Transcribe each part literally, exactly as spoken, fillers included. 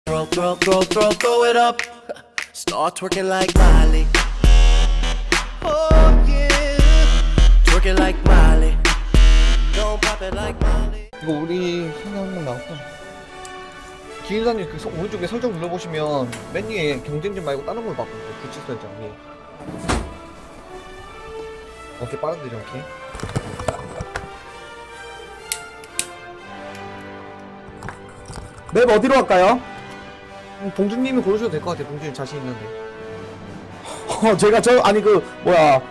Throw, throw, throw, throw, throw it up. Start twerking like Miley. Oh yeah. Twerking like Miley. Don't pop it like Miley. 이거 우리 성경 한번 나왔고 기인사님 그 서, 오른쪽에 설정 눌러보시면 맨 위에 경쟁전 말고 다른 걸 바꾸고 구치 설정 위에 오케이 빠른데 이렇게 맵 어디로 갈까요? 음, 봉준님이 고르셔도 될 것 같아요. 봉준님 자신 있는데 어 제가 저 아니 그 뭐야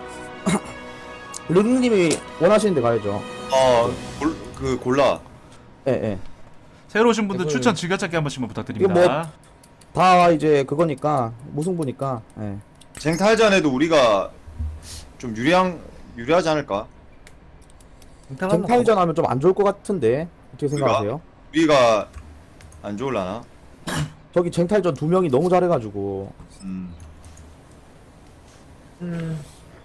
루루님이 원하시는 데 가야죠. 어, 골, 그 골라. 예예. 새로 오신 분들 이걸- 추천 즐겨찾기 한 번씩만 부탁드립니다. 이거 뭐- 다 이제 그거니까 무승부니까. 예. 쟁탈전에도 우리가 좀 유리한 유리하지 않을까? 쟁탈전 하면 좀 안 좋을 것 같은데 어떻게 생각하세요? 우리가 안 좋을라나? 저기 쟁탈전 두 명이 너무 잘해가지고. 음. 음,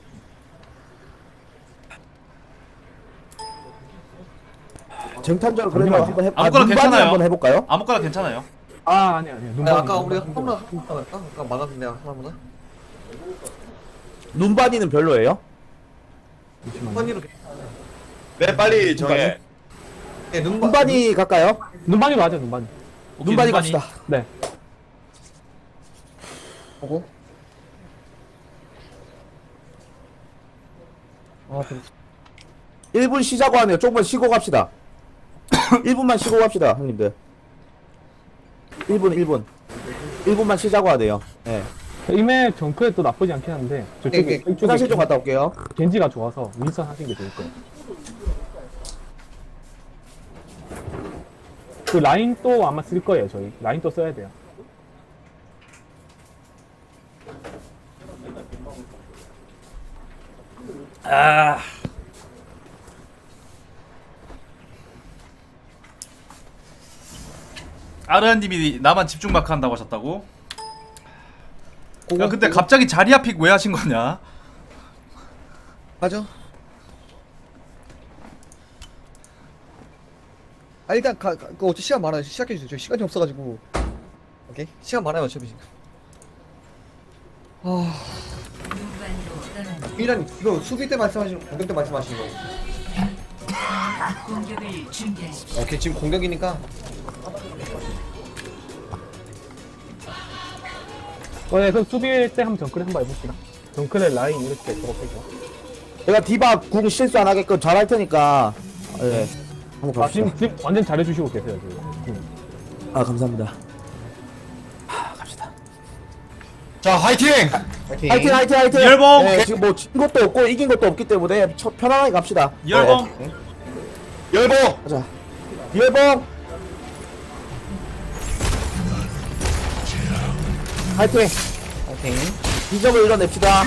쟁탈전 그러면 한번 해. 아무거나 눈반이 괜찮아요. 한번 해볼까요? 아무거나 괜찮아요. 아 아니 아니 아, 아까 우리 하나 할까? 아까 막았는데 하나보다 눈반이는 별로예요? 눈반이로 매 빨리 정해. 네, 눈반 눈반이 갈까요? 눈반이로 하자 눈반이. 오케이, 눈반이 갑시다. 네. 보고 아 좀 일 분 쉬자고 하네요. 조금만 쉬고 갑시다. 일 분만 쉬고 갑시다, 형님들. 일 분, 일 분. 일 분만 쉬자고 하네요. 예. 이맵 정크에 또 나쁘지 않긴 한데 저쪽에 네, 네. 이쪽에 화장실 좀 갔다 올게요. 겐지가 좋아서 윈선 하시는 게 좋을 거예요. 그 라인 또 아마 쓸 거예요 저희. 라인 또 써야 돼요. 아. 아르한님이 나만 집중 마크 한다고 하셨다고? 야 근데 갑자기 자리야 픽 왜 하신 거냐? 맞아. 아 일단 가, 가 그 어차피 시간 많아요. 시작해 주세요. 저 시간이 없어가지고. 오케이 시간 많아요 어차피 지금. 아 일단 이거 수비 때 말씀하시는 공격 때 말씀하시는 거. 공격을 준비하십시오. 오케이 지금 공격이니까 어, 네, 그럼 수비 때 한번 정크를 한번 해봅시다. 정크의 라인 이렇게 졸업해줘. 내가 디바 궁 실수 안 하게끔 잘 할 테니까. 예. 한번 아, 갑시다. 지금, 지금 완전 잘해주시고 계세요 지금. 음. 아, 감사합니다. 하, 갑시다. 자, 화이팅! 파이팅. 화이팅, 화이팅, 화이팅! 열봉! 예, 지금 뭐 진 것도 없고 이긴 것도 없기 때문에 첫 편안하게 갑시다. 열봉! 예. 열봉! 가자. 열봉! 화이팅! 파이팅. 이 점을 이뤄냅시다.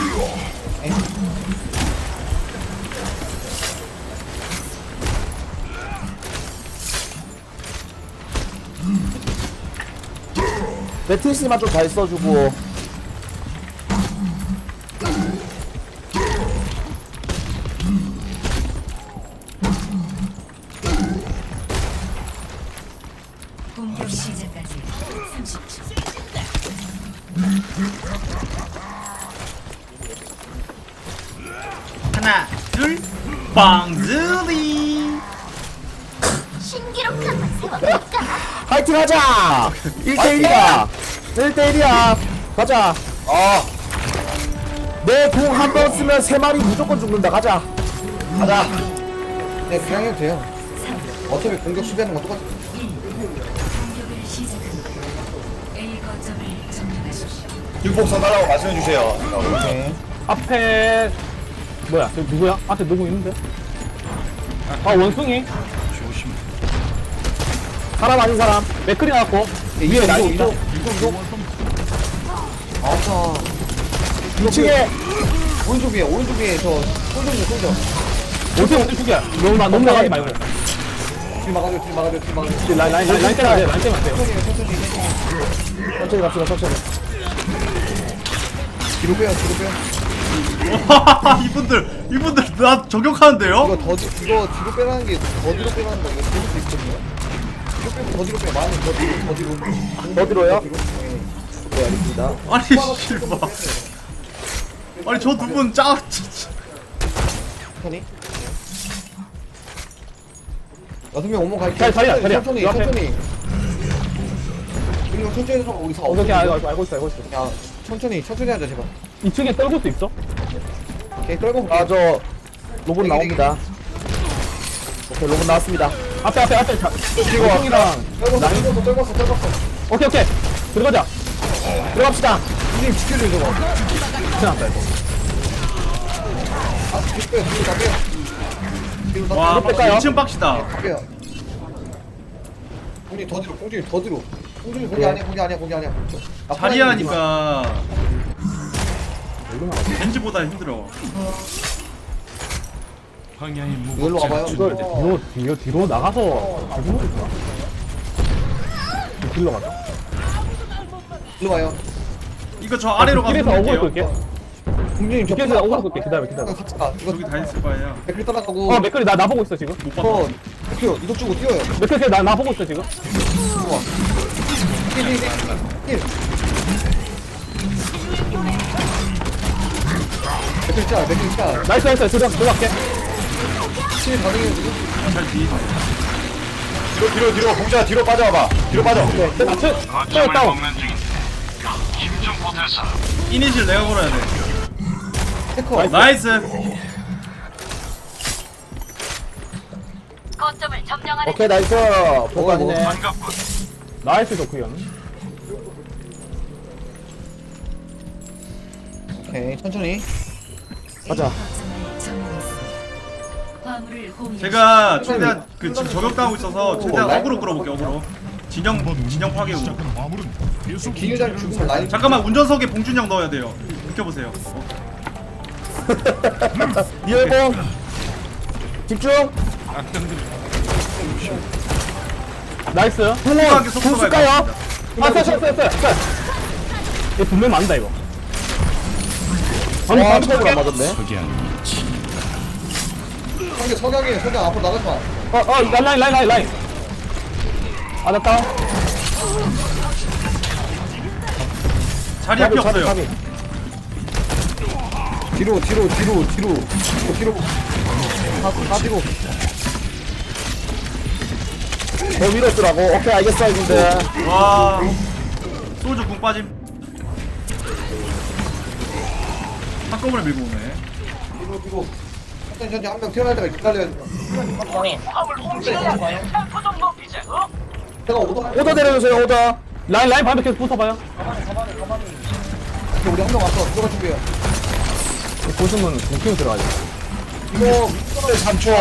매트리스만 좀 잘 써주고. 공격 시작까지 삼십 초. 하나 둘 빵즈리 신기록 한번 세워볼까? 화이팅 하자! 일 대 일이야! 일 대 일이야! 가자! 아, 내 공 한 번 쓰면 세 마리 무조건 죽는다. 가자! 가자. 네 그냥 해도 돼요. 어차피 공격 수비하는 건 똑같아. 공격을 시작합니다. A 거점을 점령하십시오. 율복 써달라고 말씀해 주세요. 오케이. 앞에 뭐야? 저 누구야? 앞에 누구 있는데? 아 원숭이 사람 아닌 사람. 맥클이 나왔고 위에 나 이거 이거- 이거 이거 이거. 아파. 이 층에 오른쪽 위에 오른쪽 위에 저 솔저님 솔저. 어떻게 어떻게 죽여? 너무 나 너무 나가지 말고. 뒤 막아줘 뒤 막아줘 뒤 막아줘. 라인 라인 라인 라인 때문에 안 돼, 라인 때문에 안 돼요. 천천히 갑시다. 천천히. 뒤로 빼요 뒤로 빼요. 이분들 이분들 나 저격하는데요? 이거 더 뒤- 이거 뒤로 빼라는 게 더 뒤로 빼라는 거 이거 재밌을 수 있거든요. 뒤로 빼고 더 뒤로 빼. 많이 더 뒤로 더 뒤로. 더 뒤로요? 네. 네, 알겠습니다. 아니 실바. 아니 저 두 분 짜. 진짜. 천천히. 여섯 명 오면 갈게. 자리, 자리야, 자리야. 천천히 요 앞에. 천천히. 그리고 천천히 해서 우리 사. 오케이, 오케이, 알고, 알고, 알고 있어, 알고 있어. 야 천천히 천천히 하자 제발. 이 층에 떨굴 수 있어? 오케이 떨고 볼게. 아, 저 로봇 나옵니다. 오케이, 로봇 나왔습니다. 앞에, 앞에, 앞에. 자, 이거 이층이랑 떨궜어 떨궜어 떨궜어 떨궜어. 오케이, 오케이. 들어가자. 들어갑시다. 선생님 지켜줘 저거. 지나갔다, 이거. 아 뒤로 빼요 뒤로 다 빼요. 뒤로 다 와 빼요. 뺄까요? 이 층 빡시다. 다 빼요. 공준이 더 뒤로 공준이 더 뒤로. 공준이 거기 아니야 거기 아니야 거기 아니야. 아, 자리야 하니까 겐지보다 힘들어. 이걸로 가봐요. 이걸 뒤로, 뒤로, 뒤로 나가서 가지고 있구나. 뒤로 가자. 일로 와요. 이거 저 아래로 가서 길에서 어그로 볼게요. 끌게. 공준이 저 길에서 어그로 끌게. 기다려, 기다려. 같이 가. 이거 저기 다 있을 거예요. 댓글 따라가고. 어, 맥클이 나, 나 보고 있어, 지금. 못 봤다. 어, 뛰어. 이동 주고 뛰어요. 맥클이 나, 나 보고 있어, 지금. 좋아. 힐, 힐, 힐. 힐. 댓글 짜, 댓글 짜. 나이스, 나이스. 들어, 들어갈게. 힐 가능해요, 지금? 잘 뒤. 뒤로 뒤로 뒤로 공자 뒤로 빠져봐. 뒤로 빠져. 나 쳐, 쳐, 다운. 이니실 내가 걸어야 돼. 태커. 나이스. 거점을 점령하는 오케이, 나이스. 보고 아니네. 나이스, 도크현. 오케이, 천천히. 가자. 거점을 점령했습니다. 화물을 공유. 제가 최대한 그 지금 저격당하고 있어서 최대한 어그로 끌어볼게요. 어그로. 진영 진영 파괴 우. 기회자를 주고 라인. 잠깐만 운전석에 봉준형 넣어야 돼요. 비켜보세요. 리얼봉. 집중. 나이스. 속도하게 속도가 쓸까요? 아, 써, 써, 써, 써. 써. 얘 분명 맞는다, 이거. 아니, 와, 방금 처음으로 안 볼게. 맞았네. 성경, 석양이에요. 석양 앞으로 나가지 마. 어, 어, 라인, 라인, 라인, 라인, 라인. 아, 됐다. 자리 앞이 없어요. 뒤로, 뒤로, 뒤로, 뒤로. 뒤로, 뒤로. 다, 다 뒤로. 더 위로 쓰라고. 오케이, 알겠어, 형님들. 와. 소주 궁 빠짐. 한꺼번에 밀고 오네. 뒤로, 뒤로. 천천히, 천천히 한 명 태어날 때가 기다려야 돼. 제가 오더 할게. 오더 내려주세요, 오더. 라인, 라인 반대 계속 붙어봐요. 우리 한 명 왔어. 들어갈 준비해요. 보시면 공킹 들어가야 돼. 이거 삼 초.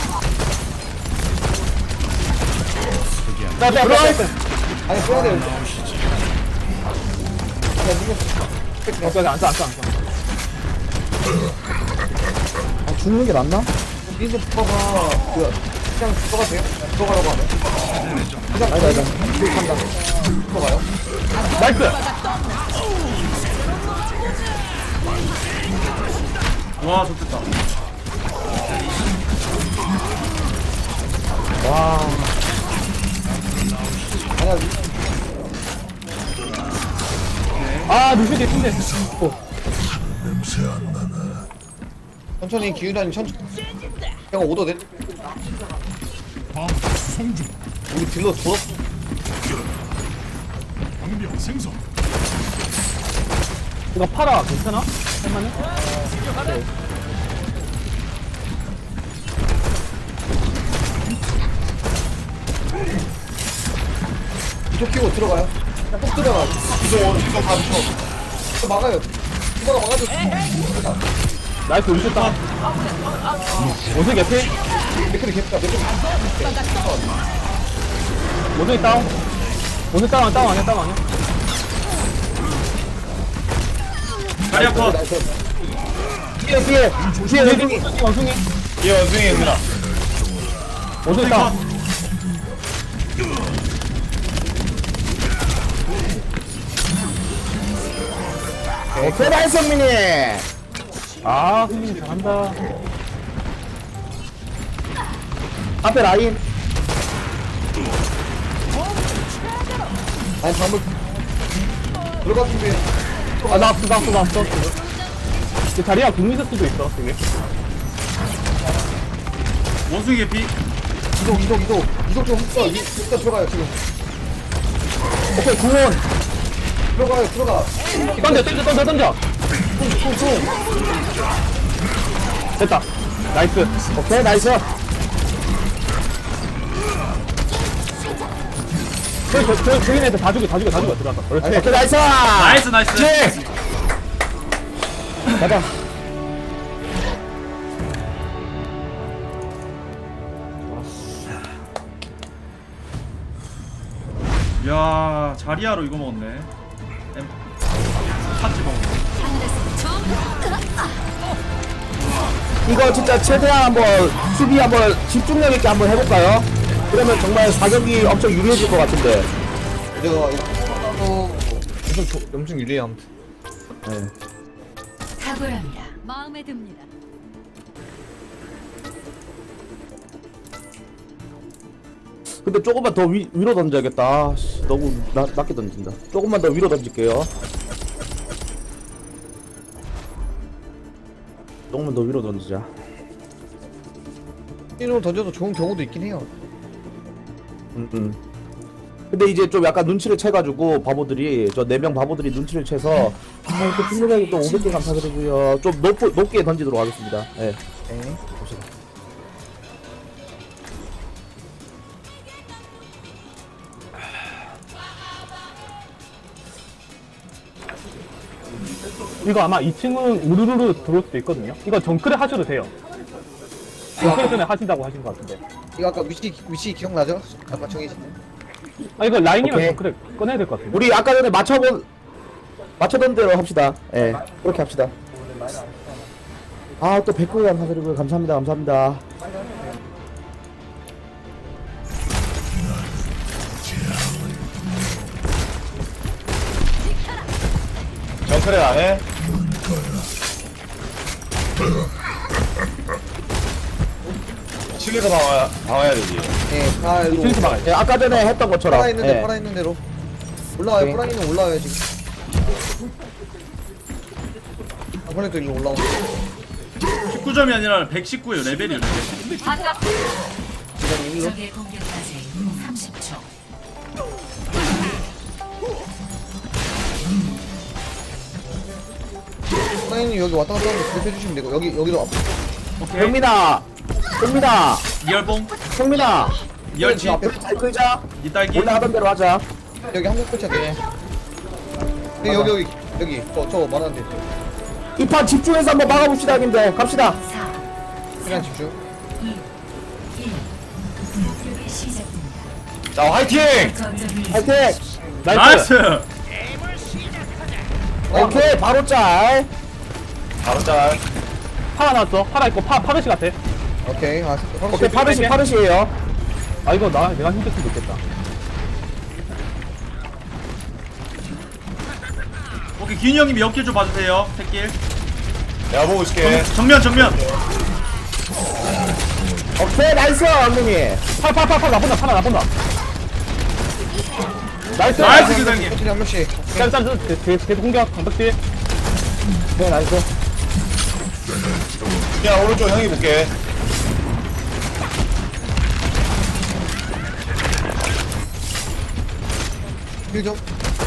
나, 나, 들어가. 아니 써야 돼요. 아니 이거 오케이, 안 써, 안 써, 안 써. 아, 죽는 게 낫나? 민수 부터가 뭐야? 그냥 들어가 돼요? 들어가라고 하네. 그냥 아니다, 아니다. 들어간다. 들어가요? 나이스. 와 좋겠다. 와. 아니야. 아, 루시 개친데. 천천히 기훈아님 천천히. 내가 오더 내. 우리 딜러 졸업. 이거 팔아. 괜찮아? 할만해? 이쪽 끼고 들어가요. 그냥 꼭 들어가. 이동 이동 다 붙여. 이거 막아요. 이거가 막아줘. 나이스, 루시 따. 오승 개피? 맥크리 개피다. 맥크리. 오승이 다운. 오승 다운, 다운 아니야, 다운 아니야? 자리 아파. 뒤에, 뒤에. 뒤에, 원숭이, 원숭이. 예 원숭이 누나. 오승이 다운. 오케이, 나이스, 성민이. 아, 승민이 잘한다. 앞에 라인. 아니 방금 들어가 준비. 아 나왔어 나왔어 나왔어. 이 자리야 궁 있을 수도 있어 되게. 원숭이 개피. 이동 이동 이동 이동 좀 흡수. 일단 들어가요 지금. 오케이 구원. 들어가요 들어가. 던져 던져 던져 던져. 됐다. 나이스. 오케이 나이스. 저기 저 저기 저기 애들 다 죽여 다 죽여 다 죽여 들어갔다. 그렇지. 오케이 나이스. 나이스 나이스. 네. 가자. 야 자리아로 이거 먹었네. 엠 팥지 먹었네. 이거 진짜 최대한 한번 수비 한번 집중력 있게 한번 해볼까요? 그러면 정말 사격이 엄청 유리해질 것 같은데. 이거 어 엄청 조- 엄청 유리해 아무튼. 네. 탁월합니다. 마음에 듭니다. 근데 조금만 더 위, 위로 던져야겠다. 아, 씨, 너무 나, 낮게 던진다. 조금만 더 위로 던질게요. 조금만 더 위로 던지자. 이로 던져도 좋은 경우도 있긴 해요. 음, 음. 근데 이제 좀 약간 눈치를 채가지고 바보들이 저 네 명 바보들이 눈치를 채서 아 이렇게 분명하게 또 오백 개 감사드리고요. 좀 높, 높게 던지도록 하겠습니다. 네. 네. 봅시다. 이거 아마 이 층은 우르르르 들어올 수도 있거든요. 이거 정크를 하셔도 돼요. 정크를 전에 하신다고 하신 것 같은데. 이거 아까 위치 위치 기억나죠? 아까 정해진. 아 이거 라인이랑 오케이. 정크를 꺼내야 될 것 같은데. 우리 아까 전에 맞춰본 맞춰던 대로 합시다. 예, 네, 그렇게 합시다. 아 또 백 개 감사드리고요. 감사합니다. 감사합니다. 정크레 안 해? 칠리가 방어, 방어해야 되지. 네, 다 일로. 층에서 막아야 돼. 예, 아까 전에 했던 것처럼. 팔아 있는데 예. 팔아 있는 대로. 올라와요. 오케이. 프라이는 올라와요 지금. 이번에도 일로 올라오고. 십구 점이 아니라 백십구예요. 레벨이요 레벨. 지금 일로. 적의 공격까지 삼십 초. 프라이는 여기 왔다 갔다 하면 그렇게 해주시면 되고 여기 여기도 앞. 오케이. 형민아, 형민아, 이열봉. 형민아. 이열치. 이렇게 잘 끌자. 이 딸기. 올라가던 대로 하자. 여기 한명 끝이야 돼. 여기 여기 여기 여기 저 저 말하는데 이 판 집중해서 한번 막아봅시다, 형님들. 갑시다. 사, 그냥 집중. 이, 일. 공격이 시작됩니다. 자, 화이팅! 거점을 화이팅! 나이스. 나이스. 오케이, 바로 짤. 바로 짤. 파라 나왔어. 파라 있고 파 파르시 같아. 오케이. 아, 오케이, 파르시, 파르시에요. 아 이거 나 내가 힘들 수도 있겠다. 오케이 기인이 형님이 옆길 좀 봐주세요. 택길. 내가 보고 있을게. 정면 정면. 오케이, 나이스, 언니. 팔팔팔팔 나본다. 파라 나본다. 나이스. 나이스 기사님. 호텔이 한 명씩. 짠짠 계속 공격 강박지. 네, 나이스. 그냥 오른쪽 형이 볼게. 일 점.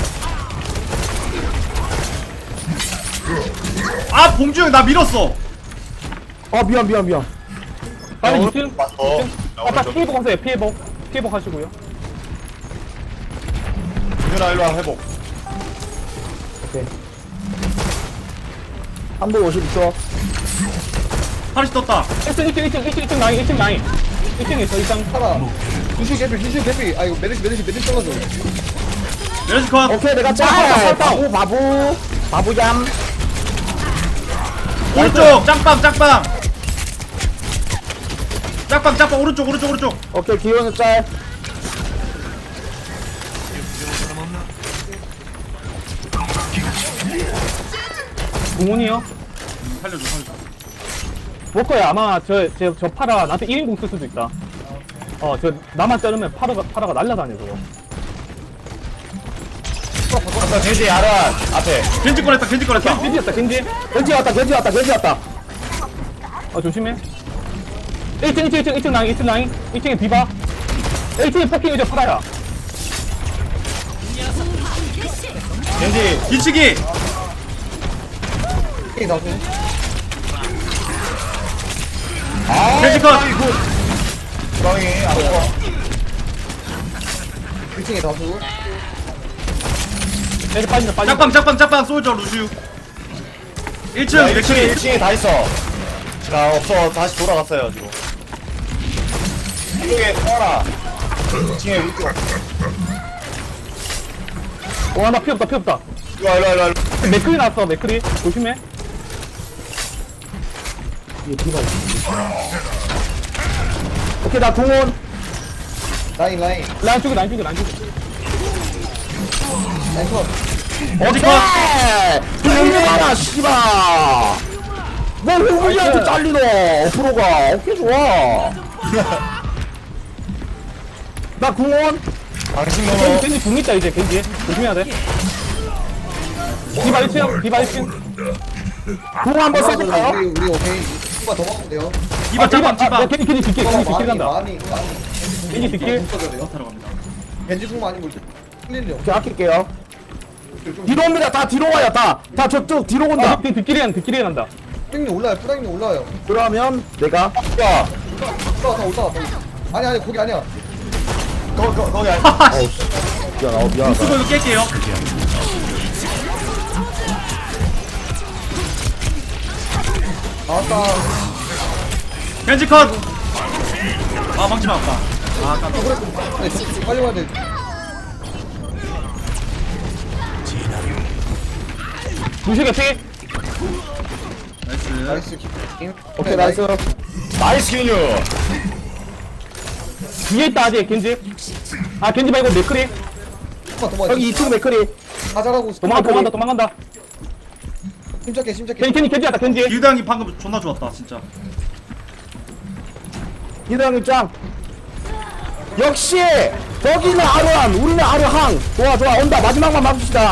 아 봉주 형 나 밀었어. 어, 미안, 미안, 미안. 빨리 야, 이 층. 오른쪽 맞어. 야, 아까 오른쪽. 피해복 하세요. 피해복. 피해복 하시고요. 유나 일로 와, 회복. 오케이. 한 번 오십 초. 파리시 떴다. 일 층 일 층 일 층 일 층 일 층 라인 일 층 라인. 일 층에 저 이상 하나. 유슈 개피 유슈 개피. 아이고 메르시 메르시 메르시 떨어져. 메르시 컷. 오케이, 내가 짤. 바보, 바보. 바보얌. 오른쪽 짝방 짝방. 짝방 짝방 오른쪽 오른쪽 오른쪽. 오케이, 기호는 짤. 공원이요. 살려줘 살려줘. 볼 거야. 아마 저저 저 파라 나한테 일 인공 쓸 수도 있다. 어 저 나만 자르면 파라가 파라가 날라다녀서. 아까 제지 아란 앞에. 겐지 꺼냈다 겐지 꺼냈다. 겐지였다 겐지. 겐지 왔다 겐지 왔다 겐지 왔다. 어 조심해. 일 층 일 층 일 층 일 층 라인 일 층 라인 일 층에 디바. 일 층에 포킹 이제 팔아야. 겐지. 뒤치기. 오케이 나도. 아, 겐지 컷. 주방이 안 좋아. 일 층에 다수. 겐지 빠진다 빠진다. 짝방 짝방 짝방 솔저 루슈. 일 층 일 층에 맥크리. 일 층에 다 있어. 자 없어 다시 돌아갔어요 지금. 이쪽에 터라. 일 층에 우리 쪽. 와나 피 없다 피 없다. 일로 와 일로 와 일로 와. 맥크리 나왔어 맥크리 조심해. 이게 디바. 오케이 나 공원. 라인 라인 라인 쪽에 라인 쪽에 라인 쪽에. 라인 컷. 어디 컷. 형님 하나 씨발. 뭐 형님한테 잘리노 프로가. 오케이 좋아. 나 공원. 당신 겐지 너무. 겐지 궁 있다 이제 겐지 조심해야 돼. 디바 일 층 디바 일 층. 공 한번 써볼까요? 우리 우리 오케이. 한번 더 먹으면 돼요. 이봐 짝방 아, 짝방. 겐지 겐지 뒷길 겐지 뒷길 간다. 많이 많이. 겐지 뒷길. 써줘야 돼요. 타러 갑니다. 겐지 궁 많이 물. 흘리려. 오케이 아낄게요. 뒤로 옵니다. 다 뒤로 와요. 다. 다 저쪽 뒤로 아 온다. 뒷- 뒷길이 간 뒷길이 간다. 뿌랑님 올라요. 뿌랑님 올라요. 그러면 내가 야 올라왔다 올라왔다. 아니 아니 거기 아니야. 거, 거, 거기 아니. 어우 씨. 미안. 어 미안하다. 수고 이거 깰게요. 나왔다. 겐지 컷. 아 망치 맞았다. 아 깜짝. 네, 저- 빨리 와야 돼. 루시가 피. 나이스. 나이스 킵. 오케이 나이스. 나이스 기뉴. 뒤에 있다 아직 겐지. 아 겐지 말고 맥크리. 도망 도망. 여기 이 층 맥크리. 가자라고. 도망가 도망간다 도망간다. 침착해 침착해. 겐지 겐지 겐지 왔다 겐지. 기우당이 방금 존나 좋았다 진짜. 이대형 입장. 역시 거기는 아르한, 우리는 아르항. 좋아 좋아 온다. 마지막만 막읍시다.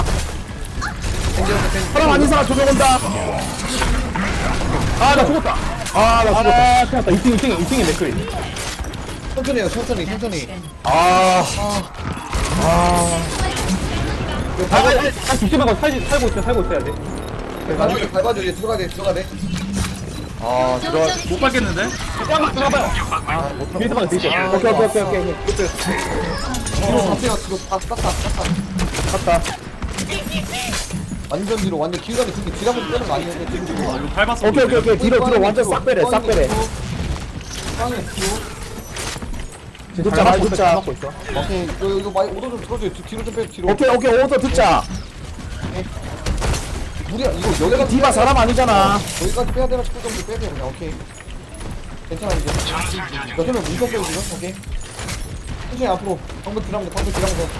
사람 아닌 사람 조명 온다. 아 나 죽었다. 아 나 죽었다. 아 큰일 났다. 이 층 이 층에 이 층에 맥크리. 천천히 해요 천천히 천천히. 아 아, 아, 아, 조심하고 살지, 살고 있어, 살고 있어야 돼. 밟아줘 밟아줘 이제 들어가야 돼 들어가야 돼. 아 들어. 못 밟겠는데? 야, 들어가봐요. 아, 뒤에서 봐도 되죠. 오케이 오케이 오케이 오케이. 뒤로 가세요 뒤로 다 땄다 땄다. 갔다. 완전 뒤로 완전 길가에 그렇게 뒤로 한번 빼는 거 아니에요? 뒤로 뒤로. 아 이거 밟았어. 오케이 오케이 오케이. 뒤로 뒤로 완전 싹 빼래 싹 빼래. 빵에 뒤로. 듣자 말 잘 듣자. 맞고 있어. 오케이 이거 이거 많이 오더 좀 들어줘요. 뒤- 뒤로 좀 빼 뒤로. 오케이 오케이 오더 듣자. 무리야 이거 여기가 디바 사람 아니잖아. 여기까지 빼야 되나 싶을 정도 빼야 돼 그냥 오케이. 괜찮아 이제. 여섯 명 무조건 빼요 지금 오케이. 천천히 앞으로 방금 들어가면 돼 방금 들어가면 돼.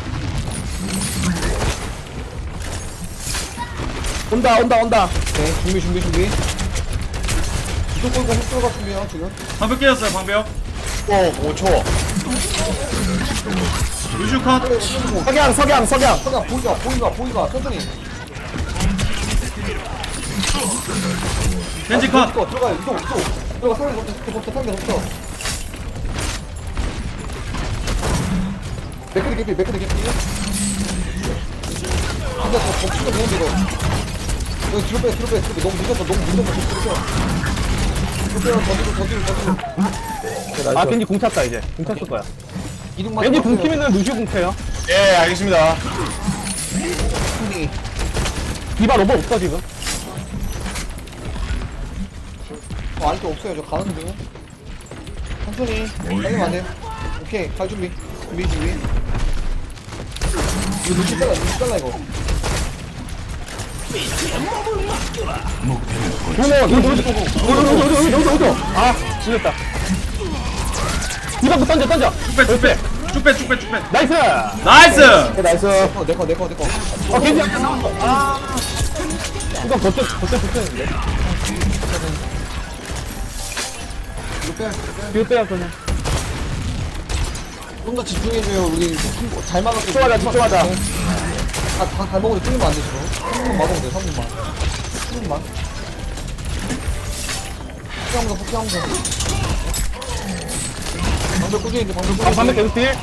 온다 온다 온다. 네 준비 준비 준비. 이쪽 걸고 훅 들어갈 준비해요 지금. 방벽 깨졌어요 방벽. 오 초. 루슈 컷. 석양 석양 석양. 서가 보이가 보이가 보이가 천천히. 겐지 컷. 이거 들어가요 이쪽 이쪽. 들어가 상대 덮쳐 덮쳐 상대 덮쳐. 맥크리 개피 맥크리 개피. 근데 저 덮치면 되는데 이거. 이거 뒤로 빼 뒤로 빼 뒤로 빼 너무 늦었어 너무 늦었어 뒤로 빼. 뒤로 빼요 더 뒤로 더 뒤로 더 뒤로. 아, 겐지 공 찼다, 이제. 공 찼을 거야. 이륙만. 겐지 공 키면은 루시오 공 쳐요. 예 알겠습니다. 디바 로봇 없어, 지금. 어, 아직도 없어요. 저 가는 중이에요. 천천히. 빨리면 안 돼. 오케이. 갈 준비. 준비, 준비. 이거 눈치 잘라, 눈치 잘라, 이거. 어머, 이거 뭐지? 어디, 어디, 어디, 어디, 어디, 어디. 아, 죽였다. 디바 그 던져, 던져. 쭉빼쭉빼 쭉빼 쭉빼. 나이스! 나이스. 오케이 나이스. 어, 내 거, 내 거, 내 거. 어, 겐지 약간 나왔어. 아. 이거 버텨, 버텨, 버텨는데. 이거 빼야 돼. 뒤로 빼야 그냥. 좀 더 집중해줘요. 우리 잘 막았어. 집중하자 집중하자. 다다 먹어도 뚫리면 안 돼, 지금. 삼 분만 맞으면 돼, 삼 분만. 삼 분만. 폭행하면서, 폭행하면서. 방벽 꾸준히 돼, 방벽 꾸준히. 방- 방금 계속 딜.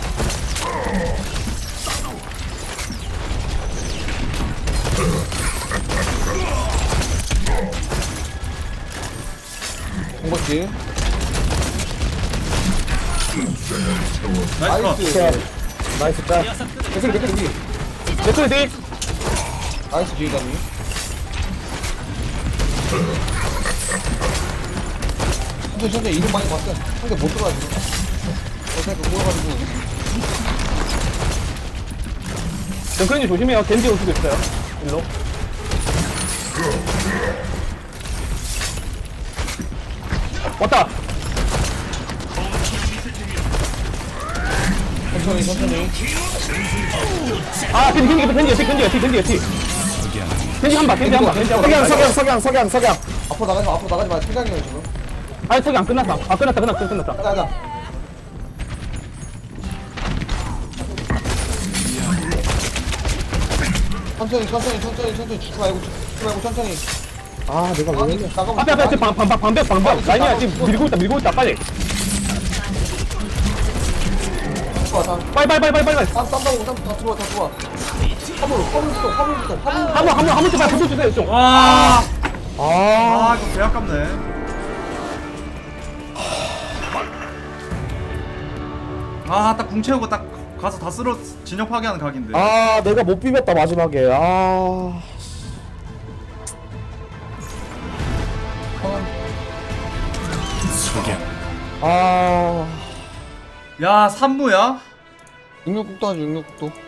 공박지. 나이스 컷. 나이스. 나이스 짤. 개슬, 개슬, 개슬. 레클 딜. 나이스, 지휘관님. 근데 현재 이름 많이 봤어. 상대 못 들어가지고. 어차피 모여가지고. 레클님 조심해요. 겐지 올 수도 있어요. 일로. 왔다. 천천히, 천천히. 아, 겐지, 겐지, 겐지, 겐지, 겐지, 겐지, 겐지. 겐지 한 바, 겐지 한 바, 겐지 한 바. 석양 석양 석양 석양 석양. 앞으로 나가지 마, 앞으로 나가지 마. 생각이에요, 지금. 아니, 저기 안 끝났어. 아, 끝났다, 끝났다, 끝났다. 가자, 가자. 천천히, 천천히, 천천히, 천천히. 죽지 말고, 죽지 말고, 천천히. 아 내가 왜 이래? 나가면 앞에, 앞에, 지금 방, 방, 방, 방벽, 방벽. 라인이야, 지금 밀고 있다, 밀고 있다, 빨리. 좋아, 다. 빨리, 빨리, 빨리, 빨리, 빨리. 땀, 땀 나고, 땀, 다 들어와, 다 들어와. 화물, 화물부터, 화물부터, 화물. 한 번, 한 번, 한 번씩 빨리 붙여주세요, 좀. 와. 아 아 이거 개 아깝네. 아 딱 궁 채우고 딱 가서 다 쓸어 진영 파괴하는 각인데. 아, 내가 못 비볐다 마지막에. 아. 아. 야 삼무야? 육육국도 하지, 육육국도.